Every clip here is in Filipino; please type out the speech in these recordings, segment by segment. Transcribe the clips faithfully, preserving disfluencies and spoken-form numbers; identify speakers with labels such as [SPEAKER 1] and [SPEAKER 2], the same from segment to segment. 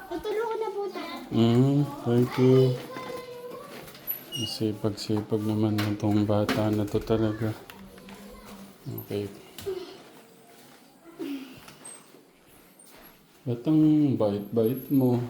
[SPEAKER 1] Tutulungan na po tayo.
[SPEAKER 2] Mm, thank you. Sipag-sipag naman itong bata na to talaga. Okay. Ba't ang bait-bait mo?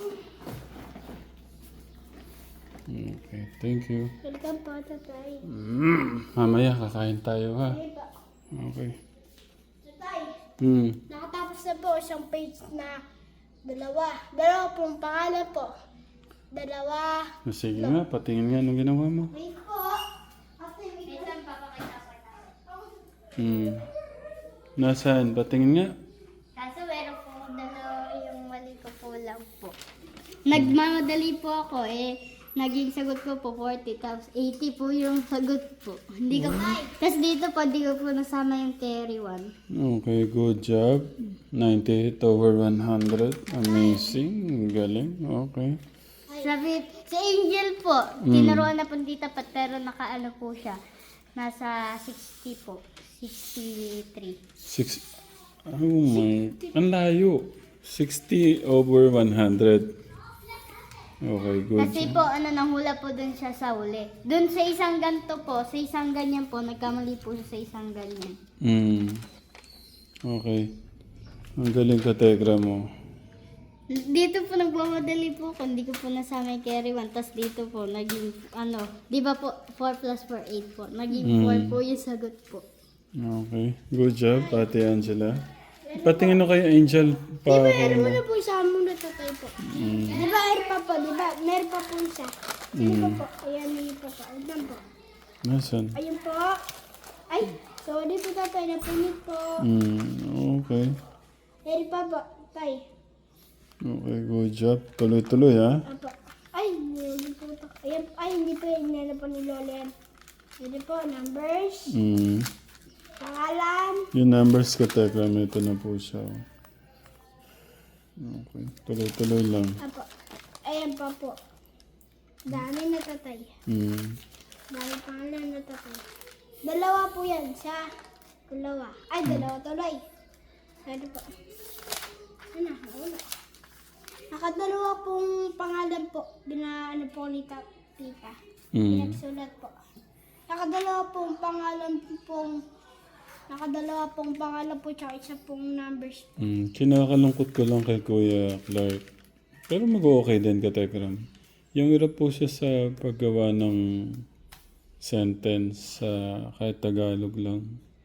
[SPEAKER 2] Okay, thank you.
[SPEAKER 1] Welcome po, tatay.
[SPEAKER 2] Mm, mamaya kakain tayo ha.
[SPEAKER 1] Ay ba?
[SPEAKER 2] Okay.
[SPEAKER 1] Tatay,
[SPEAKER 2] Hmm.
[SPEAKER 1] nakatapos na po isang page na dalawa. Dalawa pong pangalan po. Dalawa.
[SPEAKER 2] Sige nga, patingin nga anong ginawa mo.
[SPEAKER 1] Wait po. Kasi wait lang, papakita ko na.
[SPEAKER 2] Hmm. Nasaan? Patingin nga.
[SPEAKER 1] Kaso meron po dalawa yung mali ko po lang po. Nagmamadali po ako eh. Naging sagot ko po forty, tapos eighty po yung sagot po. Hindi ko Tapos dito po, hindi ko po nasama yung carry one.
[SPEAKER 2] Okay, good job. ninety-eight over one hundred. Amazing. Galing. Okay.
[SPEAKER 1] Sabi, si Angel po, tinuruan na po dito pa, pero nakaano po siya. Nasa sixty po. sixty-three.
[SPEAKER 2] Six. Oh my. Ang layo. sixty over one hundred. Okay, good
[SPEAKER 1] Kasi
[SPEAKER 2] job.
[SPEAKER 1] po, ano, nanghula po dun siya sa uli. Dun sa isang ganto po, sa isang ganyan po, nagkamali po siya sa isang ganyan.
[SPEAKER 2] Hmm. Okay. Ang galing ka, Tegra mo.
[SPEAKER 1] Dito po nagmamadali po ako, hindi ko po nasama yung carry one. Tapos dito po, naging, ano, di ba po, four plus four, eight po. Naging four po yung sagot po.
[SPEAKER 2] Okay. Good job, Ate Angela. Patingin na kay Angel pa.
[SPEAKER 1] Meron mo na po isa muna tatay po. Di ba air pa po, di ba? Meron pa po isa. Ayun pa po, ayan yung pa po. Ayun po.
[SPEAKER 2] Nasaan?
[SPEAKER 1] Ayun po. Ay, sorry po tatay, napunit po.
[SPEAKER 2] Hmm. Okay.
[SPEAKER 1] Meron pa po, tay.
[SPEAKER 2] Okay, good job. Tuloy-tuloy ha.
[SPEAKER 1] Apo. Ay, hindi po ito. Ayan, ay, hindi po yun. Hindi po ni Lola yan. Hindi po, numbers,
[SPEAKER 2] Hmm.
[SPEAKER 1] pangalan.
[SPEAKER 2] Yung numbers ko, Tegra, ito na po siya. Okay. Tuloy-tuloy lang.
[SPEAKER 1] Apo. Ayan pa po. Dami na tatay.
[SPEAKER 2] Hmm.
[SPEAKER 1] Dami pangalan na tatay. Dalawa po yan. Sa dalawa. Ay, dalawa tuloy. Ano po? Ano, wala. Nakadalawa pong pangalan po. Binaano po ni ta- tita.
[SPEAKER 2] Hmm.
[SPEAKER 1] Pinagsulat po. Nakadalawa pong pangalan pong nakadalawa pong pangalan po tsaka isa pong numbers.
[SPEAKER 2] Hmm. Kinakalungkot ko lang kay Kuya Clark. Pero mag-okay din ka, Tegram. Yung hirap po siya sa paggawa ng sentence sa kahit Tagalog lang.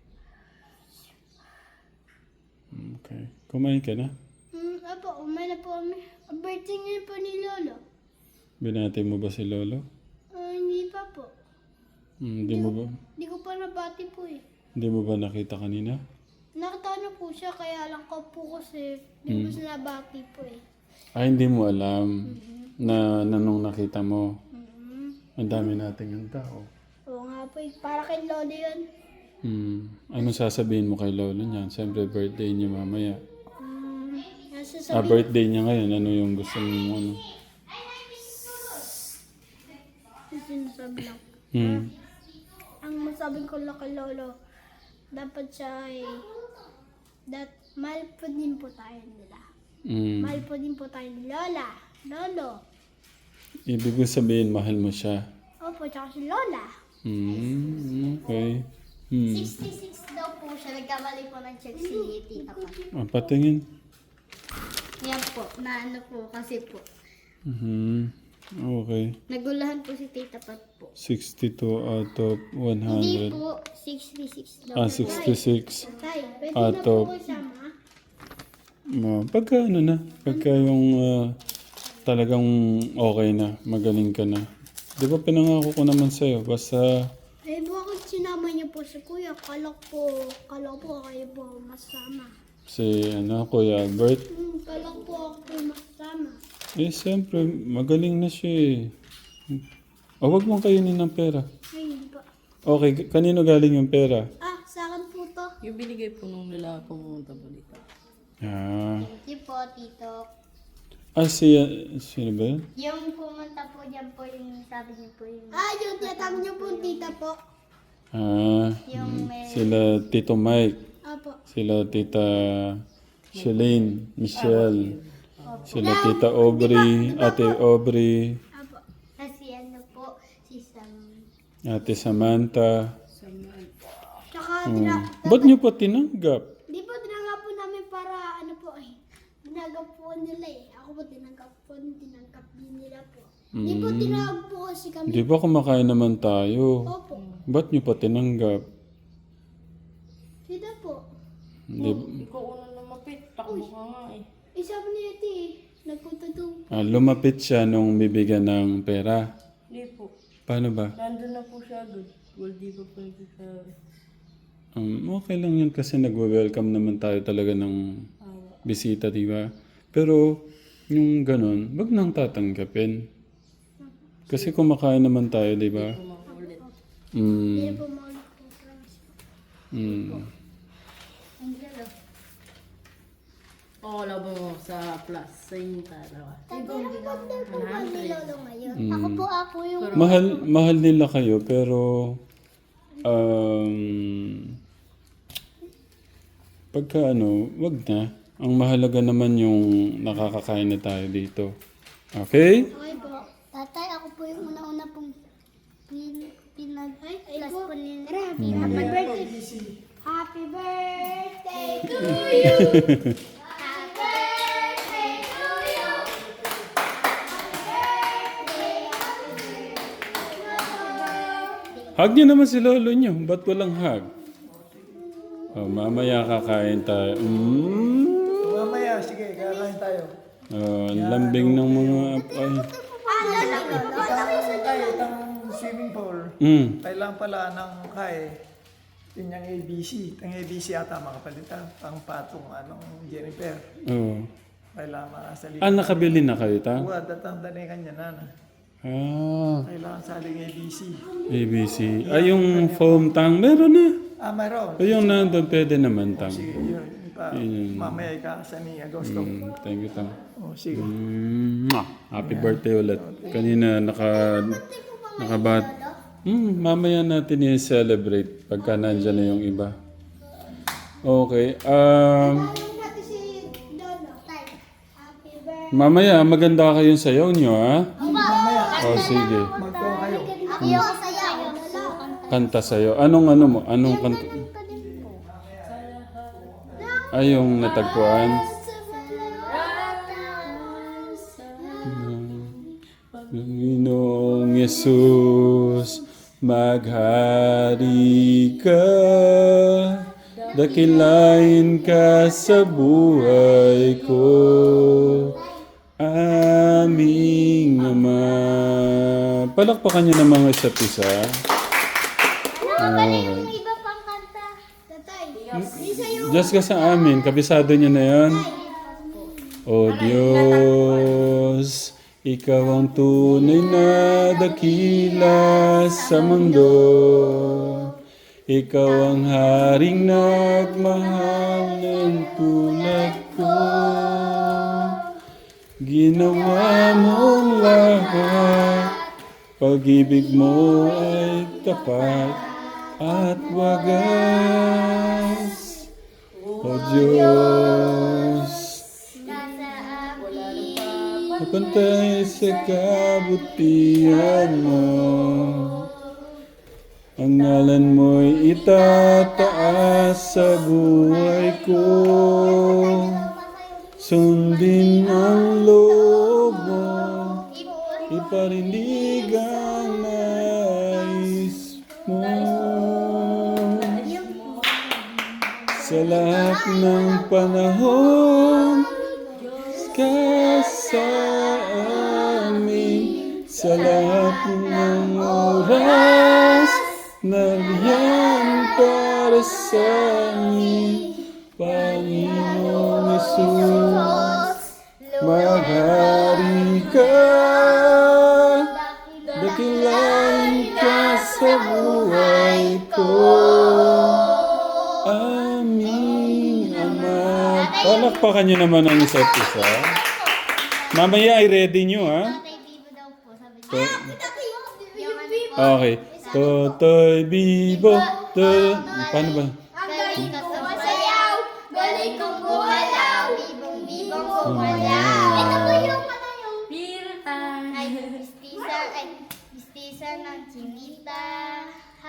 [SPEAKER 2] Okay. Kumain ka na?
[SPEAKER 1] Hmm, apo, umay na po kami. Ang birthday ngayon po ni Lolo.
[SPEAKER 2] Binati mo ba si Lolo?
[SPEAKER 1] Ah, hindi pa po.
[SPEAKER 2] Hmm, Hindi mo ba?
[SPEAKER 1] Hindi ko pa nabati po eh.
[SPEAKER 2] Hindi mo ba nakita kanina?
[SPEAKER 1] Nakita na po siya, kaya lang ko po kasi hindi ko siya nabati po eh.
[SPEAKER 2] Ay, hindi mo alam na, na nung nakita mo.
[SPEAKER 1] Mm-hmm.
[SPEAKER 2] Ang dami nating yung tao.
[SPEAKER 1] Oo nga po eh. Para kay Lolo yun.
[SPEAKER 2] Hmm. Ano sasabihin mo kay Lolo niyan? Siyempre birthday niya mamaya.
[SPEAKER 1] Hmm, nasa
[SPEAKER 2] Ah,
[SPEAKER 1] sabi,
[SPEAKER 2] birthday niya ngayon. Ano yung gusto mo? Ano?
[SPEAKER 1] sinasabi lang.
[SPEAKER 2] Hmm.
[SPEAKER 1] Ang masabi ko lang kay Lolo, dapat siya ay, that mahal po din po tayo nila.
[SPEAKER 2] Hmm.
[SPEAKER 1] Mahal po din po tayo ni Lola, Lolo.
[SPEAKER 2] Ibig ko sabihin, mahal mo siya.
[SPEAKER 1] Opo, tsaka si Lola.
[SPEAKER 2] Hmm. Okay. Hmm.
[SPEAKER 1] sixty-six daw po siya. Nagkamali po ng check si Tita pa.
[SPEAKER 2] Ah, patingin.
[SPEAKER 1] Yan po, na ano po kasi po.
[SPEAKER 2] Hmm. Okay.
[SPEAKER 1] Nagulahan po si Tita Pat po.
[SPEAKER 2] sixty-two out of
[SPEAKER 1] Hindi
[SPEAKER 2] one hundred.
[SPEAKER 1] po, sixty-six daw
[SPEAKER 2] Ah,
[SPEAKER 1] po.
[SPEAKER 2] sixty-six.
[SPEAKER 1] Tay, pwede
[SPEAKER 2] Out
[SPEAKER 1] na po
[SPEAKER 2] of-
[SPEAKER 1] ko sama.
[SPEAKER 2] Ma, pagka ano na, pagka yung ah, talagang okay na, magaling ka na. Di ba pinangako ko naman sa'yo, basta
[SPEAKER 1] Eh, bakit sinama niyo po si Kuya? Kala po, kala po kayo po masama.
[SPEAKER 2] si ano, Kuya Albert,
[SPEAKER 1] Hmm, kala po ako po masama.
[SPEAKER 2] eh siyempre, magaling na siya eh. O, wag mong kainin ng pera.
[SPEAKER 1] Ay, hindi pa.
[SPEAKER 2] Okay, k- kanino galing yung pera?
[SPEAKER 1] Ah, sa akin po to.
[SPEAKER 3] Yung binigay po nung nila pumunta po dito.
[SPEAKER 2] Ah,
[SPEAKER 1] Thank you po, Tito.
[SPEAKER 2] ah si, sino ba yun?
[SPEAKER 1] Yung pumunta po dyan po yung sabi niyo po yung... Ah, yung tiyatawag niyo po, Tita po.
[SPEAKER 2] Ah,
[SPEAKER 1] Yung may...
[SPEAKER 2] sila Tito Mike,
[SPEAKER 1] Apo.
[SPEAKER 2] sila Tita Shalane, Michelle. Sila Tita Aubrey, Ate Aubrey,
[SPEAKER 1] Apo. Kasi ano po, si Sam.
[SPEAKER 2] Ate Samantha.
[SPEAKER 3] Sa mga-
[SPEAKER 1] Tsaka,
[SPEAKER 2] Hmm.
[SPEAKER 1] tina,
[SPEAKER 2] Ba't niyo pa tinanggap?
[SPEAKER 1] di po tinanggap po namin para ano po eh. Tinanggap po nila eh. Ako po tinanggap po, tinanggap din nila po. Di po
[SPEAKER 2] Hmm.
[SPEAKER 1] tinawag po kasi kami.
[SPEAKER 2] Di ba kumakain naman tayo?
[SPEAKER 1] Opo.
[SPEAKER 2] Ba't niyo pa tinanggap?
[SPEAKER 1] Sila po.
[SPEAKER 2] Di,
[SPEAKER 3] Ikaw unang lumapit. Takbo ka nga eh.
[SPEAKER 1] Isa po niya ito eh. Nagpunta doon.
[SPEAKER 2] ah, lumapit siya nung bibigyan ng pera.
[SPEAKER 3] Hindi po.
[SPEAKER 2] Paano ba?
[SPEAKER 3] Nandun na po siya doon. Well, di pa po nagsasabi.
[SPEAKER 2] Um, okay lang yun kasi nagwe-welcome naman tayo talaga ng
[SPEAKER 3] Awa.
[SPEAKER 2] bisita, di ba? Pero yung ganun, wag nang tatanggapin. Kasi kumakain naman tayo, di ba?
[SPEAKER 3] Kumaulit.
[SPEAKER 1] Hindi
[SPEAKER 2] Mm,
[SPEAKER 1] po maulit po. Promise po.
[SPEAKER 2] mm.
[SPEAKER 1] Ang galo.
[SPEAKER 3] Oo, labo mo sa plus. Sa inyong dalawa.
[SPEAKER 1] Tatay, po ba ni Lolo ngayon?
[SPEAKER 2] Mm.
[SPEAKER 1] Ako po ako yung...
[SPEAKER 2] Mahal, mahal nila kayo, pero um, pagka ano, wag na. Ang mahalaga naman yung nakakakain na tayo dito. Okay?
[SPEAKER 1] Okay po. Tatay, ako po yung una-una pong pin, pinag-plus po ni... Happy, happy birthday! Happy birthday to you! Happy birthday to you!
[SPEAKER 2] Hug niyo naman si lolo niyo. Ba't walang hug? Oh, mamaya kakain tayo. Mm.
[SPEAKER 4] Mamaya, sige, kakain tayo.
[SPEAKER 2] Oh, ang lambing ng mga ay.
[SPEAKER 1] Ah, lalo, lalo.
[SPEAKER 4] Tayo, itang swimming pool.
[SPEAKER 2] Mm.
[SPEAKER 4] Kailangan pala ng kay yun yung A B C. Ang A B C ata makapalitan. Pang patong anong Jennifer.
[SPEAKER 2] Oh.
[SPEAKER 4] Kailangan makasalita.
[SPEAKER 2] Ah, nakabili na kayo ta?
[SPEAKER 4] Uwa, datang danay kanya na.
[SPEAKER 2] Ah,
[SPEAKER 4] Kailangan saling A B C.
[SPEAKER 2] A B C. Ay, yung foam tang, meron na.
[SPEAKER 4] Ah, mayroon.
[SPEAKER 2] Ay, yung nandun, pwede naman tang.
[SPEAKER 4] Sige, yun. Pa,
[SPEAKER 2] Yun.
[SPEAKER 4] mamaya ikakasa ni Agosto.
[SPEAKER 2] Mm, thank you, tang.
[SPEAKER 4] Oh, sige.
[SPEAKER 2] Mm, mwah. Happy birthday ulit. Kanina naka nakabat. Mm, mamaya natin i-celebrate pagka nandyan na yung iba. Okay. Um,
[SPEAKER 1] Alam natin si Lolo. Tay, happy birthday.
[SPEAKER 2] mamaya maganda kayong sayaw nyo, ha?
[SPEAKER 4] Mamaya,
[SPEAKER 2] O sige.
[SPEAKER 4] magkuha kayo.
[SPEAKER 1] Ako yung sayaw.
[SPEAKER 2] Kanta sayo. Anong ano mo? Anong kanta? Ay, yung natagpuan. Panginoong Yesus, maghari ka, dakilain ka sa buhay ko, aming Ama. Palakpakan niyo ng mga isa't isa. Okay.
[SPEAKER 1] Yung iba pang kanta. Tatay, isa yung...
[SPEAKER 2] Diyos ka sa amin, kabisado niyo na yan. O Diyos, ikaw ang tunay na dakila sa mundo. Ikaw ang haring nagmahal ng tulad ko. Ginawa mong lahat, pag-ibig mo ay tapat at wagas. O Diyos, kapantay sa kabutihan mo. Ang ngalan mo'y itataas sa buhay ko. Sundin ang loob mo, iparinig ang nais mo. Sa lahat ng panahon, ka sa amin. Sa lahat ng oras, nariyan para sa amin. Panginoong Yesus, maghari ka, dakilain ka sa buhay ko. Aming Ama. Palakpakan niyo naman ang isa't isa. Mamaya ay ready niyo, ha? To- okay. Totoy Bibo. To- Paano ba?
[SPEAKER 1] Ang galing kong masayaw, galing kong gumalaw, bibong-bibong gumalaw.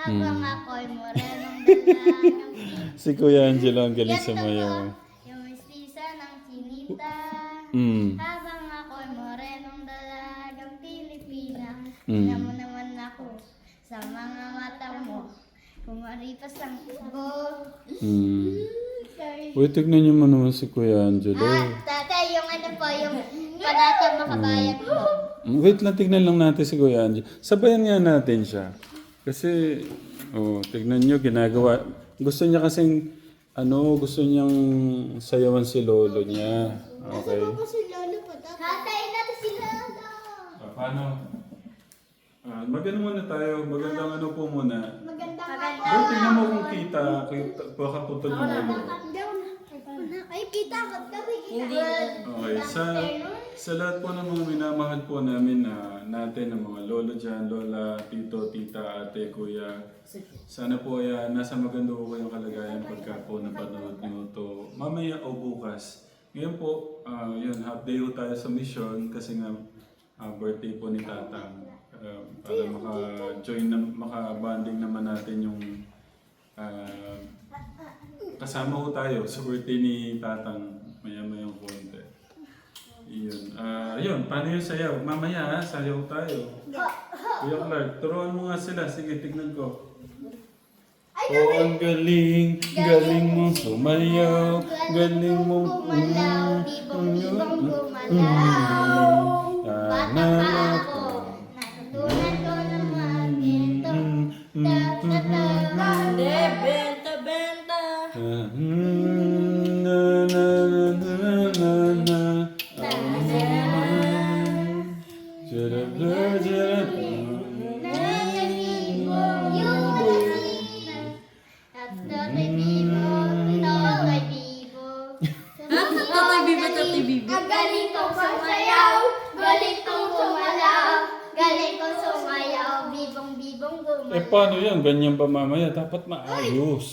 [SPEAKER 1] Habang ako'y morenong dalagang
[SPEAKER 2] Si Kuya Angelo ang galing
[SPEAKER 1] Yan
[SPEAKER 2] sa
[SPEAKER 1] to
[SPEAKER 2] mayaw.
[SPEAKER 1] po, yung mistisa ng chinita.
[SPEAKER 2] Mm.
[SPEAKER 1] Habang ako'y morenong dalagang Pilipina.
[SPEAKER 2] Mm.
[SPEAKER 1] Tingnan mo naman ako sa mga mata mo. Kumaripas ang tubo.
[SPEAKER 2] Mm. Uy, tignan niyo mo naman si Kuya Angelo.
[SPEAKER 1] Ah, tatay, yung ano po, yung panata makabayan po.
[SPEAKER 2] Mm, Wait lang, tignan lang natin si Kuya Angelo. Sabayan nga natin siya. Kasi, oh, tignan niyo, ginagawa. Gusto niya kasing, ano, gusto niyang sayawan si lolo niya. Okay.
[SPEAKER 1] si Lolo po, tatay? Tatay, natin si Lolo.
[SPEAKER 2] Ah, paano? Ah, magano muna tayo. Magandang ano po muna.
[SPEAKER 1] Magandang
[SPEAKER 2] Pero tignan mo kung kita. Kita, baka putol yung ulo.
[SPEAKER 1] Hindi ako na. Ay, kita ka. Kami kita.
[SPEAKER 3] Hindi.
[SPEAKER 2] Okay, sa, sa lahat po ng mga minamahal po namin na natin, ng mga lolo dyan, lola, tito, tita, ate, kuya. Sana po ay ah, nasa maganda po kayong kalagayan pagka po napanood nyo to mamaya o bukas. Ngayon po, ah, yun, half day po tayo sa mission kasi nga ah, birthday po ni Tatang. Ah, para maka-join, na, maka-bonding naman natin yung ah, kasama ko tayo sa birthday ni Tatang. Maya-maya yung konti. Yun. Ah, yun, paano yung sayaw? Mamaya ha, sayaw tayo. Kuya Clark, turuan mo nga sila. Sige, tignan ko. Oh, ang galing, galing mong sumayaw, galing mong
[SPEAKER 1] Gumalaw, bibong-bibong gumalaw. Bata pa ako, natutunan ko na magginto. Ta-ta-ta.
[SPEAKER 3] Hindi, benta, benta.
[SPEAKER 2] Ah, mm, na, na, na, na, na, na. Jarabla, jarabla.
[SPEAKER 3] Tatay Bibo, Tatay Bibo.
[SPEAKER 1] Ang galing kong sumayaw, galing kong sumalaw, galing kong sumayaw, bibong-bibong
[SPEAKER 2] Eh
[SPEAKER 1] gumalaw.
[SPEAKER 2] paano yan? Ganyan ba mamaya? Dapat maayos.